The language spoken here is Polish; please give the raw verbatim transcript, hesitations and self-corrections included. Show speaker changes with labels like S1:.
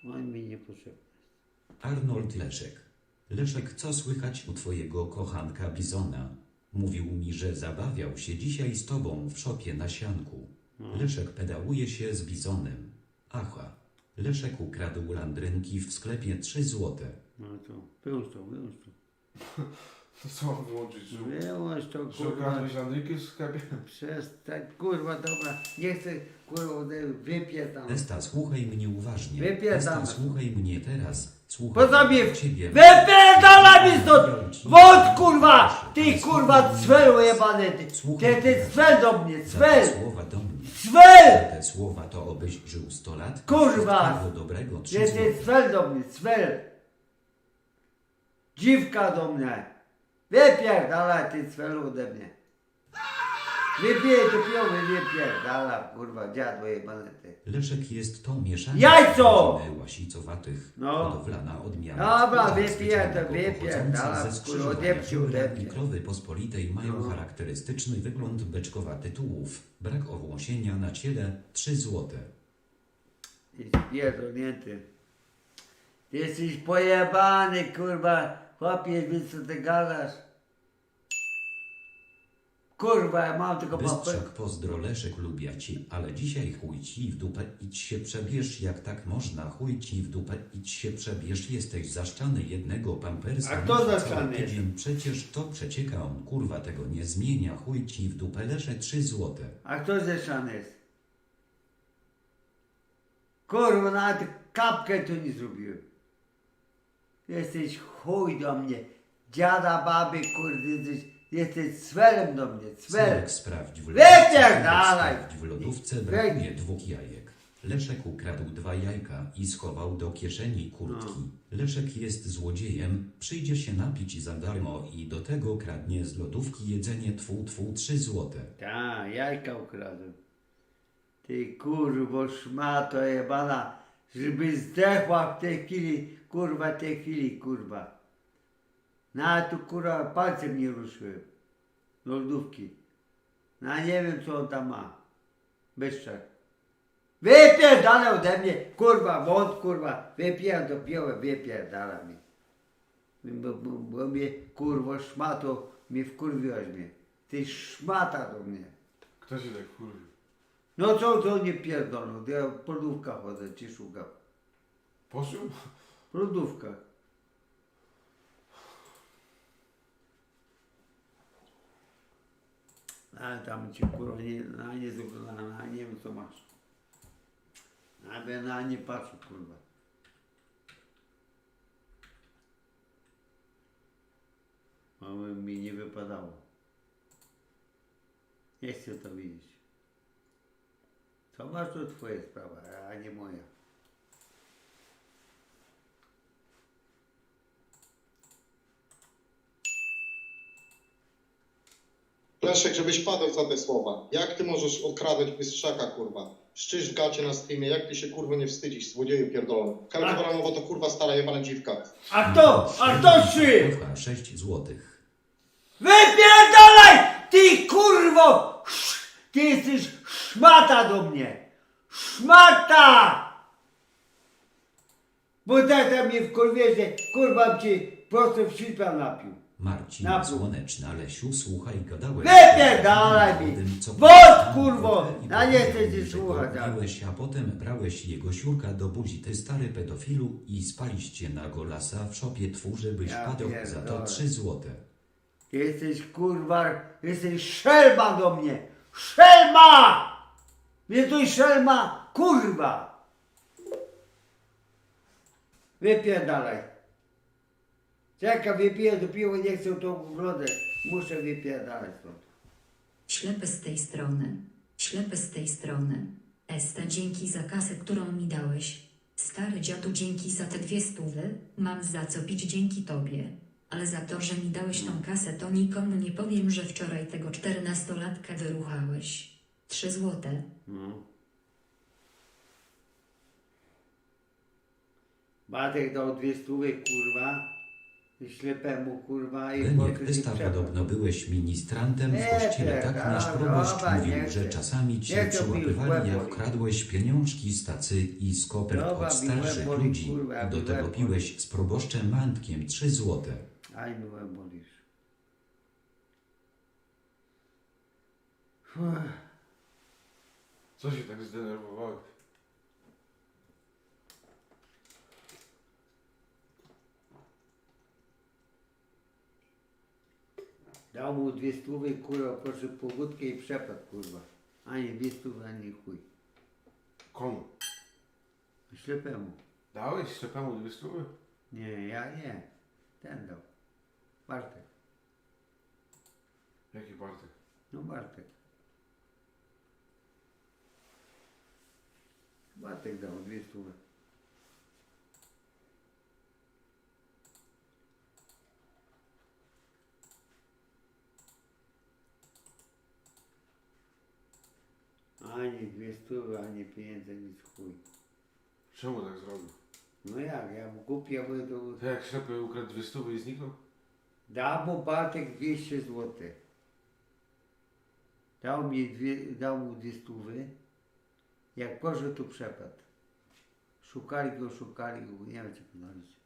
S1: On mi nie potrzebny.
S2: Arnold Leszek. Leszek, co słychać u twojego kochanka Bizona? Mówił mi, że zabawiał się dzisiaj z tobą w szopie na sianku.
S1: No.
S2: Leszek pedałuje się z Bizonem. Aha. Leszek ukradł landrynki w sklepie trzy złote.
S1: No to wyłącz to, wyłącz to.
S3: To co mam wyłączyć? Że,
S1: Wyłącz to,
S3: że
S1: kurwa.
S3: ukradłeś landryki w sklepie?
S1: Przestań, kurwa, dobra. Nie chcę, kurwa, wypierdam.
S2: Esta, słuchaj mnie uważnie.
S1: Wypierdam.
S2: Esta, słuchaj mnie teraz. Słuchaj
S1: Poza mnie,
S2: ciebie.
S1: wypierdalaj mi stąd!
S2: Powiedział ci-
S1: Wąt, kurwa! Ty,
S2: Ale
S1: kurwa,
S2: słuchaj
S1: cwelu
S2: mnie.
S1: jebany, ty.
S2: Słuchaj
S1: Ty, ty,
S2: mnie.
S1: cwel do mnie,
S2: Za te
S1: cwel!
S2: słowa do mnie.
S1: Cwel!
S2: Za te słowa to obyś żył sto lat.
S1: Kurwa.
S2: Wszystkiego dobrego, trzy
S1: Ty,
S2: złote.
S1: ty, cwel do mnie, cwel! Dziwka do mnie! Wypierdalaj, ty, cwelu ode mnie! Wypij do piowy, wypierdalaj, kurwa, dziadło jebane, ty.
S2: Leszek jest to mieszanie
S1: Jajco!
S2: rodziny łasicowatych,
S1: No.
S2: hodowlana odmiana.
S1: Dobra,
S2: Skóra
S1: wypierdol,
S2: specjalnego
S1: wypierdala,
S2: pochodząca ze
S1: kurwa,
S2: skrzyżowania
S1: odepcij ode
S2: Pióra i
S1: mnie.
S2: krowy pospolitej mają
S1: No.
S2: charakterystyczny wygląd beczkowaty tułów, brak owłosienia na ciele, trzy złote.
S1: Jest pierdolnięty. Ty jesteś pojebany, kurwa. Chłopie, wiesz co ty gadasz? Kurwa, ja mam tylko papę.
S2: Bystrzak pozdro Leszek lubię ci, ale dzisiaj chuj ci w dupę idź się przebierz, jak tak można, chuj ci w dupę idź się przebierz, jesteś zaszczany jednego pampersa.
S1: A kto
S2: cały
S1: zaszczany jest?
S2: tydzień, przecież to przecieka on, kurwa tego nie zmienia, chuj ci w dupę Lesze trzy złote.
S1: A kto zeszany jest? Kurwa, nawet kapkę tu nie zrobiłem. Jesteś chuj do mnie. Dziada, baby, kurde, jesteś, jesteś cwelem do mnie, cwel.
S2: Cyrek sprawdź w lodówce.
S1: Wypierdalaj!
S2: Sprawdź w lodówce brakuje dwóch jajek. Leszek ukradł dwa jajka i schował do kieszeni kurtki. Leszek jest złodziejem, przyjdzie się napić za darmo i do tego kradnie z lodówki jedzenie tfu tfu trzy złote.
S1: Ta, jajka ukradłem. Ty kurwo szmato jebana, żeby zdechła w tej chwili, kurwa, tej chwili, kurwa. Na tu kurwa palcem nie ruszyłem. Lodówki. No nie wiem co on tam ma. Byszczak. Wypierdala ode mnie, kurwa, wąt, kurwa. Wypijam do piłę, wypierdala mi. Bo, bo, bo mnie, kurwo, szmato, mnie wkurwiłaś mnie. Ty szmata do mnie.
S3: Kto się tak wkurwił?
S1: No co, co nie pierdolą, ja po lodówkach chodzę, ci szukam.
S3: Poszło?
S1: Po lodówkach. Ale tam ci kurwa nie, na nie zaglądałem, na nie wiem co masz. Aby na nie patrzę, kurwa. Mały mi nie wypadało. Nie chcę to widzieć. Co masz, to twoja sprawa, a nie moja.
S4: Leszek, żebyś padał za te słowa. Jak ty możesz okradać bystrzaka, kurwa? Szczysz w gacie na streamie, jak ty się kurwa nie wstydzisz, złodzieju pierdolony. Karol Bramowa to kurwa stara jebana dziwka.
S1: A kto? A kto trzy?
S2: Kocha sześć złotych.
S1: Wypierdalaj! Ty kurwo! Sz- Ty jesteś szmata do mnie! Szmata! Bo tak tam mnie wkurwiecie, kurwa ci prosto w świtła napił.
S2: Marcin
S1: Napój.
S2: Słoneczna, Lesiu, słuchaj, gadałeś.
S1: Wypierdalaj mi!
S2: o tym, co
S1: Wód,
S2: powiedziałem,
S1: kurwo!
S2: i
S1: Ja nie chcę
S2: powiedział
S1: cię
S2: mi, że go
S1: słuchać, ale-
S2: lubiłeś, a potem brałeś jego siurka do buzi, ty stary pedofilu, i spaliście na golasa w szopie twu, żebyś
S1: Ja
S2: padał za to
S1: pierdolę.
S2: trzy złote.
S1: Ty jesteś kurwa, jesteś szelma do mnie! Szelma! Jesteś szelma, kurwa! Wypierdalaj. Czekaj, wypiję do piwa, nie chcę to oglądać. Muszę wypierdalać stąd.
S5: Ślepy z tej strony. Ślepy z tej strony. Esta, dzięki za kasę, którą mi dałeś. Stary dziadu, dzięki za te dwie stówy. Mam za co pić dzięki tobie. Ale za to, że mi dałeś tą kasę, to nikomu nie powiem, że wczoraj tego czternastolatka wyruchałeś. Trzy złote.
S1: No. Batek dał dwie stówy, kurwa. ślepemu kurwa i
S2: Leniek,
S1: poszedł i
S2: Wysta,
S1: przepadł.
S2: podobno byłeś ministrantem w
S1: Nie,
S2: kościele,
S1: tak,
S2: tak nasz
S1: a,
S2: proboszcz
S1: dobra,
S2: mówił,
S1: nie
S2: że
S1: chcę.
S2: czasami
S1: Nie
S2: cię
S1: chcę mi już
S2: przyłapywali,
S1: łeb
S2: jak
S1: boli.
S2: kradłeś pieniążki z tacy i z kopert
S1: Dobra,
S2: od
S1: mi łeb
S2: starszych
S1: boli,
S2: ludzi.
S1: kurwa,
S2: Do
S1: mi
S2: tego
S1: łeb boli.
S2: piłeś z proboszczem Mantkiem trzy złote.
S1: Aj, mi łeb bolisz. Uff.
S3: Co się tak zdenerwowałeś?
S1: Dał mu dwie stówy, kurwa, poszedł po wódkę i przepadł, kurwa. Ani dwie stówy, ani chuj.
S3: Komu?
S1: Ślepemu.
S3: Dałeś ślepemu dwie stówy?
S1: Nie, ja nie. Ten dał. Bartek.
S3: Jaki Bartek?
S1: No Bartek. Bartek dał dwie stówy. Ani dwie stówy, ani pieniędzy, nic chuj.
S3: Czemu tak zrobił?
S1: No jak, ja mu kupię, bo to...
S3: To jak ślepy ukradł dwie stówy i zniknął?
S1: Dał mu Bartek dwieście złotych. Dał, mi dwie, dał mu dwie stówy. Jak poszedł, to przepadł. Szukali go, szukali go, nie wiem co znaleźć.